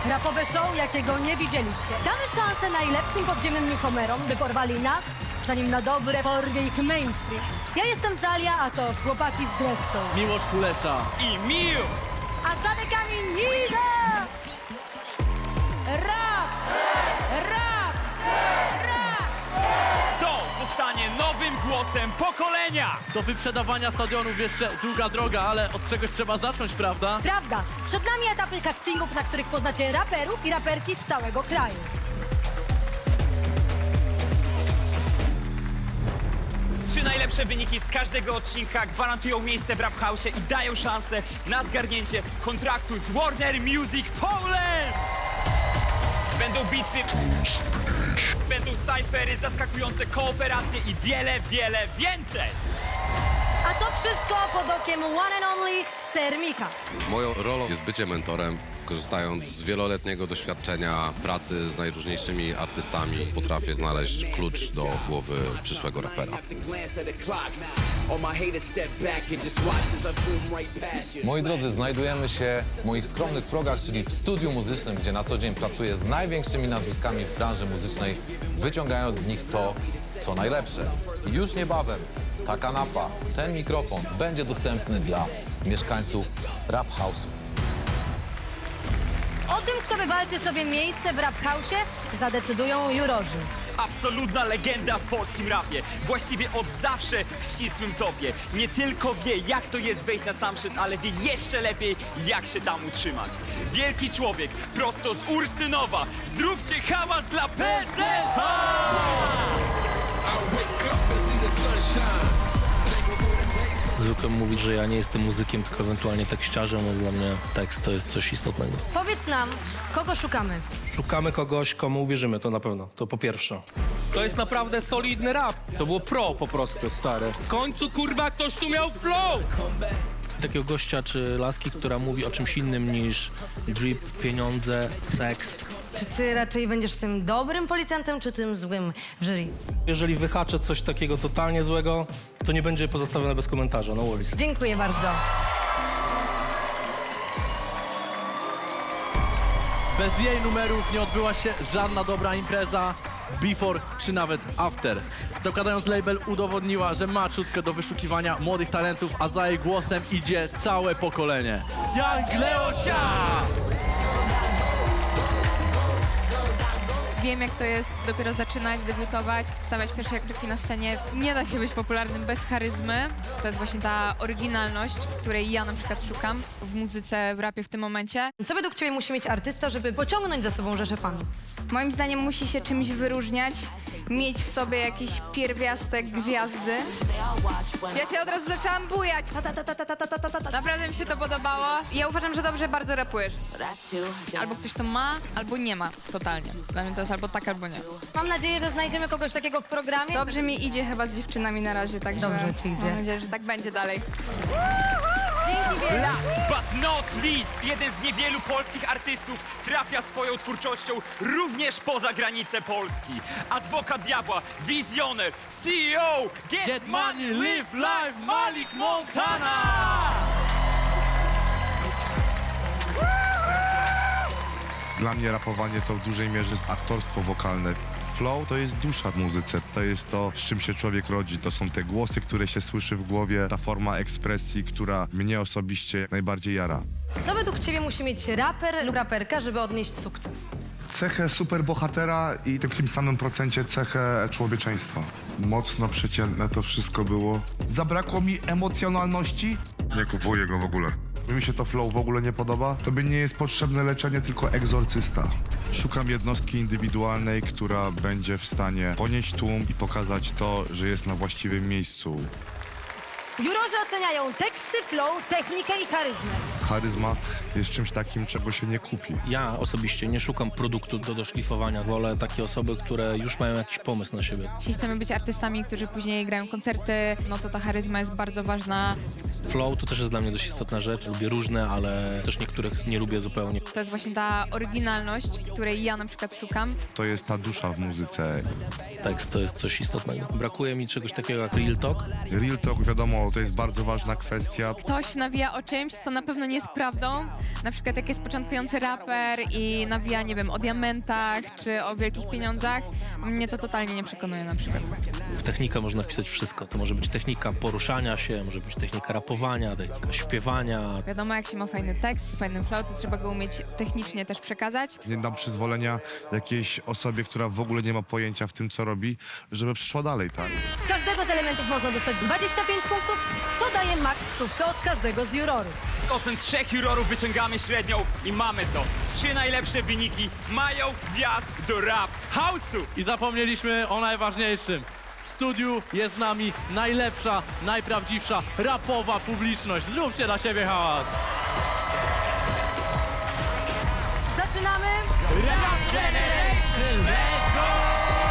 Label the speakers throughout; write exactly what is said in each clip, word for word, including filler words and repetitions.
Speaker 1: Rapowe show, jakiego nie widzieliście. Damy szansę najlepszym podziemnym newcomerom, by porwali nas, zanim na dobre porwie ich mainstream. Ja jestem Zalia, a to chłopaki z Dreską.
Speaker 2: Miłosz Kulesza.
Speaker 3: I Miu!
Speaker 1: A za dekami Nida! Rap! Rap! Rap!
Speaker 3: To zostanie nowym głosem pokolenia!
Speaker 2: Do wyprzedawania stadionów jeszcze długa droga, ale od czegoś trzeba zacząć, prawda?
Speaker 1: Prawda, przed nami etapy castingów, na których poznacie raperów i raperki z całego kraju.
Speaker 3: Trzy najlepsze wyniki z każdego odcinka gwarantują miejsce w Rap House'ie i dają szansę na zgarnięcie kontraktu z Warner Music Poland! Będą bitwy, będą cyfery, zaskakujące kooperacje i wiele, wiele więcej!
Speaker 1: A to wszystko pod okiem one and only Sermika.
Speaker 4: Moją rolą jest bycie mentorem. Korzystając z wieloletniego doświadczenia pracy z najróżniejszymi artystami, potrafię znaleźć klucz do głowy przyszłego rapera.
Speaker 5: Moi drodzy, znajdujemy się w moich skromnych progach, czyli w studiu muzycznym, gdzie na co dzień pracuję z największymi nazwiskami w branży muzycznej, wyciągając z nich to, co najlepsze. I już niebawem ta kanapa, ten mikrofon będzie dostępny dla mieszkańców Rap House'u.
Speaker 1: O tym, kto wywalczy sobie miejsce w Rap House'ie, zadecydują jurorzy.
Speaker 3: Absolutna legenda w polskim rapie. Właściwie od zawsze w ścisłym topie. Nie tylko wie, jak to jest wejść na sam szczyt, ale wie jeszcze lepiej, jak się tam utrzymać. Wielki człowiek, prosto z Ursynowa. Zróbcie hałas dla P Z H!
Speaker 6: Zwykle mówić, że ja nie jestem muzykiem, tylko ewentualnie tekściarzem, więc dla mnie tekst to jest coś istotnego.
Speaker 1: Powiedz nam, kogo szukamy?
Speaker 6: Szukamy kogoś, komu uwierzymy, to na pewno, to po pierwsze. To jest naprawdę solidny rap. To było pro po prostu, stary. W końcu, kurwa, ktoś tu miał flow! Takiego gościa czy laski, która mówi o czymś innym niż drip, pieniądze, seks.
Speaker 1: Czy ty raczej będziesz tym dobrym policjantem, czy tym złym w jury?
Speaker 6: Jeżeli wyhaczę coś takiego totalnie złego, to nie będzie pozostawione bez komentarza, no worries.
Speaker 1: Dziękuję bardzo.
Speaker 2: Bez jej numerów nie odbyła się żadna dobra impreza, before czy nawet after. Zakładając label udowodniła, że ma czutkę do wyszukiwania młodych talentów, a za jej głosem idzie całe pokolenie. Young Leosia!
Speaker 7: Wiem, jak to jest dopiero zaczynać, debiutować, stawiać pierwsze kroki na scenie. Nie da się być popularnym bez charyzmy. To jest właśnie ta oryginalność, której ja na przykład szukam w muzyce, w rapie w tym momencie.
Speaker 1: Co według ciebie musi mieć artysta, żeby pociągnąć za sobą rzeszę fanów?
Speaker 7: Moim zdaniem musi się czymś wyróżniać, mieć w sobie jakiś pierwiastek gwiazdy. Ja się od razu zaczęłam bujać. Ta, ta, ta, ta, ta, ta, ta, ta, ta. Naprawdę mi się to podobało. Ja uważam, że dobrze bardzo rapujesz. Albo ktoś to ma, albo nie ma totalnie. Dla mnie to jest albo tak, albo nie.
Speaker 1: Mam nadzieję, że znajdziemy kogoś takiego w programie.
Speaker 7: Dobrze mi idzie chyba z dziewczynami na razie, także
Speaker 1: Dobrze ci idzie.
Speaker 7: mam nadzieję, że tak będzie dalej.
Speaker 1: Dzięki wielkie.
Speaker 3: Last but not least, jeden z niewielu polskich artystów trafia swoją twórczością również poza granice Polski. Adwokat diabła, wizjoner, C E O, get,
Speaker 2: Get money, live life, Malik Montana!
Speaker 8: Dla mnie rapowanie to w dużej mierze jest aktorstwo wokalne. Flow to jest dusza w muzyce, to jest to, z czym się człowiek rodzi. To są te głosy, które się słyszy w głowie, ta forma ekspresji, która mnie osobiście najbardziej jara.
Speaker 1: Co według ciebie musi mieć raper lub raperka, żeby odnieść sukces?
Speaker 8: Cechę superbohatera i w takim samym procencie cechę człowieczeństwa. Mocno przeciętne to wszystko było. Zabrakło mi emocjonalności. Nie kupuję go w ogóle. Mi się to flow w ogóle nie podoba. Tobie nie jest potrzebne leczenie, tylko egzorcysta. Szukam jednostki indywidualnej, która będzie w stanie ponieść tłum i pokazać to, że jest na właściwym miejscu.
Speaker 1: Jurorzy oceniają teksty, flow, technikę i charyzmę.
Speaker 8: Charyzma jest czymś takim, czego się nie kupi.
Speaker 6: Ja osobiście nie szukam produktu do doszlifowania. Wolę takie osoby, które już mają jakiś pomysł na siebie.
Speaker 7: Jeśli chcemy być artystami, którzy później grają koncerty, no to ta charyzma jest bardzo ważna.
Speaker 6: Flow to też jest dla mnie dość istotna rzecz. Lubię różne, ale też niektórych nie lubię zupełnie.
Speaker 7: To jest właśnie ta oryginalność, której ja na przykład szukam.
Speaker 8: To jest ta dusza w muzyce.
Speaker 6: Tekst to jest coś istotnego. Brakuje mi czegoś takiego jak real talk.
Speaker 8: Real talk, wiadomo, to jest bardzo ważna kwestia.
Speaker 7: Ktoś nawija o czymś, co na pewno nie jest prawdą. Na przykład jak jest początkujący raper i nawija, nie wiem, o diamentach czy o wielkich pieniądzach. Mnie to totalnie nie przekonuje na przykład.
Speaker 6: W technikę można wpisać wszystko. To może być technika poruszania się, może być technika rapowania, technika śpiewania.
Speaker 7: Wiadomo, jak się ma fajny tekst z fajnym flow, to trzeba go umieć technicznie też przekazać.
Speaker 8: Nie dam przyzwolenia jakiejś osobie, która w ogóle nie ma pojęcia w tym, co robi, żeby przyszła dalej, tak?
Speaker 1: Z każdego z elementów można dostać dwadzieścia pięć punktów, co daje max stówkę od każdego z jurorów.
Speaker 3: Z ocen trzech jurorów wyciągamy średnią i mamy to. Trzy najlepsze wyniki mają wjazd do rap house'u.
Speaker 2: I zapomnieliśmy o najważniejszym. W studiu jest z nami najlepsza, najprawdziwsza rapowa publiczność. Zróbcie dla siebie hałas.
Speaker 1: Zaczynamy!
Speaker 2: Rap Generation, let's go!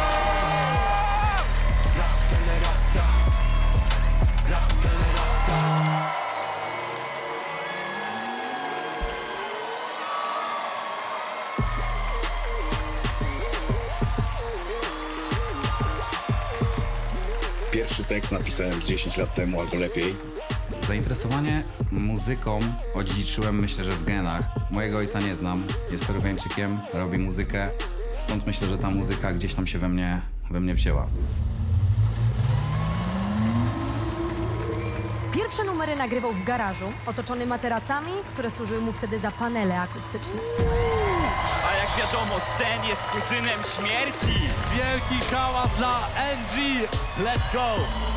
Speaker 9: Pierwszy tekst napisałem z dziesięć lat temu albo lepiej.
Speaker 10: Zainteresowanie muzyką odziedziczyłem, myślę, że w genach. Mojego ojca nie znam, jest Peruwiańczykiem, robi muzykę, stąd myślę, że ta muzyka gdzieś tam się we mnie, we mnie wzięła.
Speaker 1: Pierwsze numery nagrywał w garażu, otoczony materacami, które służyły mu wtedy za panele akustyczne.
Speaker 3: A jak wiadomo, Sen jest kuzynem śmierci.
Speaker 2: Wielki hałas dla N G. Let's go!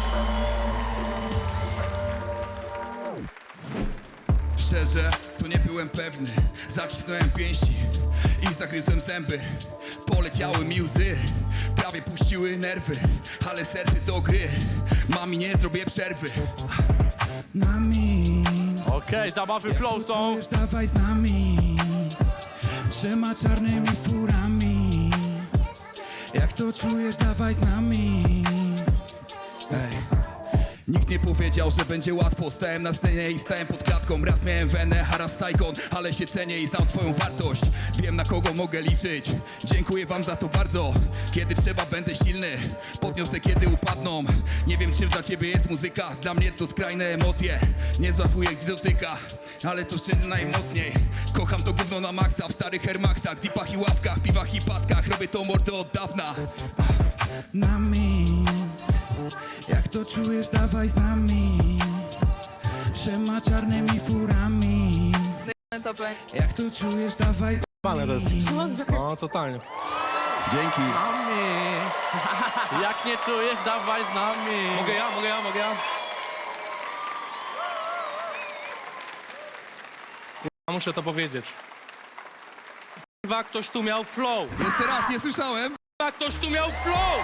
Speaker 9: Szczerze, to nie byłem pewny. Zacisnąłem pięści i zagryzłem zęby. Poleciały mi łzy, prawie puściły nerwy. Ale serce to gry, mami nie zrobię przerwy. Nami,
Speaker 2: Okej, zabawy flow są.
Speaker 9: dawaj z nami. Trzema czarnymi furami. Jak to czujesz, dawaj z nami. Ej. Nikt nie powiedział, że będzie łatwo. Stałem na scenie i stałem pod klatką. Raz miałem wenę, a raz Saigon. Ale się cenię i znam swoją wartość. Wiem, na kogo mogę liczyć. Dziękuję wam za to bardzo. Kiedy trzeba, będę silny. Podniosę, kiedy upadną. Nie wiem, czym dla ciebie jest muzyka. Dla mnie to skrajne emocje. Nie złapuję, gdy dotyka, ale to szczerze najmocniej. Kocham to gówno na maksa. W starych Air Maxach, dipach i ławkach, piwach i paskach. Robię to mordo od dawna. Nami, jak to czujesz, dawaj z nami. Trzema czarnymi furami.
Speaker 7: Topę.
Speaker 9: Jak to czujesz, dawaj z
Speaker 6: Pane to jest. No, totalnie.
Speaker 9: Dzięki.
Speaker 2: Nami. Jak nie czujesz, dawaj z nami.
Speaker 6: Mogę ja, mogę ja, mogę ja? Ja muszę to powiedzieć. Kurwa, ktoś tu miał flow.
Speaker 9: Jeszcze raz, nie słyszałem.
Speaker 6: Kurwa, ktoś tu miał flow.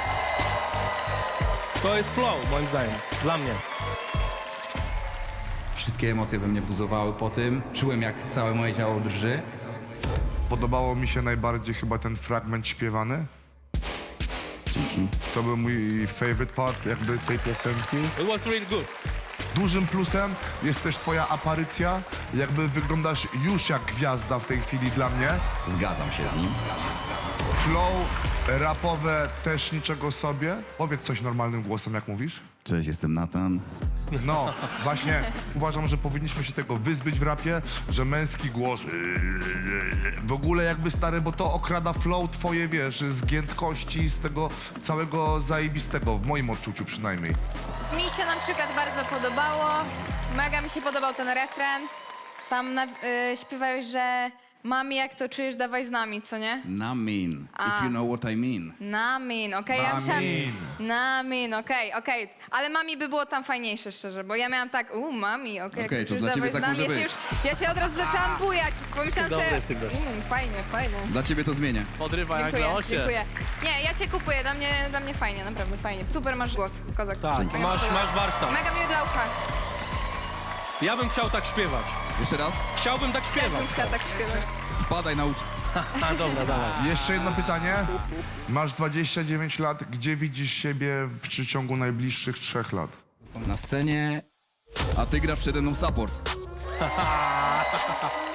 Speaker 6: To jest flow, moim zdaniem. Dla mnie.
Speaker 10: Wszystkie emocje we mnie buzowały po tym, czułem jak całe moje ciało drży.
Speaker 8: Podobało mi się najbardziej chyba ten fragment śpiewany.
Speaker 10: Dzięki.
Speaker 8: To był mój favorite part jakby tej piosenki.
Speaker 6: It was really good.
Speaker 8: Dużym plusem jest też twoja aparycja. Jakby wyglądasz już jak gwiazda w tej chwili dla mnie.
Speaker 10: Zgadzam się z nim.
Speaker 8: Flow rapowe też niczego sobie. Powiedz coś normalnym głosem, jak mówisz.
Speaker 10: Cześć, jestem Nathan.
Speaker 8: No, właśnie uważam, że powinniśmy się tego wyzbyć w rapie, że męski głos w ogóle jakby stary, bo to okrada flow twoje, wiesz, z giętkości, z tego całego zajebistego, w moim odczuciu przynajmniej.
Speaker 7: Mi się na przykład bardzo podobało. Mega mi się podobał ten refren. Tam na, y, śpiewałeś, że mami, jak to czujesz, dawaj z nami, co nie?
Speaker 10: Namin, if you know what I mean.
Speaker 7: Namin, okej, ja myślałam... Namin, okej, okej. Ale mami by było tam fajniejsze, szczerze, bo ja miałam tak, u, mami, okej,
Speaker 10: Okej,
Speaker 7: jak
Speaker 10: to
Speaker 7: czujesz,
Speaker 10: dla ciebie
Speaker 7: dawaj z
Speaker 10: tak
Speaker 7: nami.
Speaker 10: może
Speaker 7: Ja się,
Speaker 10: być.
Speaker 7: już, ja się od razu zaczęłam bujać, pomyślałam
Speaker 6: Dobry
Speaker 7: sobie,
Speaker 6: jest tych gości.
Speaker 7: mm, fajnie, fajnie.
Speaker 10: Dla ciebie to zmienię.
Speaker 2: Podrywa jak
Speaker 7: Dziękuję,
Speaker 2: na osie.
Speaker 7: dziękuję. Nie, ja cię kupuję, dla mnie, dla mnie fajnie, naprawdę fajnie. Super masz głos, kozak.
Speaker 6: Tak,
Speaker 7: Mega
Speaker 6: masz,
Speaker 7: mi się
Speaker 6: masz
Speaker 7: podoba.
Speaker 6: warsztat.
Speaker 7: Mega miły dla ucha.
Speaker 6: Ja bym chciał tak śpiewać.
Speaker 10: Jeszcze raz?
Speaker 6: Chciałbym tak
Speaker 7: Też
Speaker 6: śpiewać.
Speaker 7: bym chciała tak śpiewać.
Speaker 10: Wpadaj, naucz.
Speaker 6: A, dobra, dawaj.
Speaker 8: Jeszcze jedno pytanie. Masz dwadzieścia dziewięć lat, gdzie widzisz siebie w przeciągu najbliższych trzech lat?
Speaker 10: Na scenie
Speaker 9: a ty grasz przede mną support.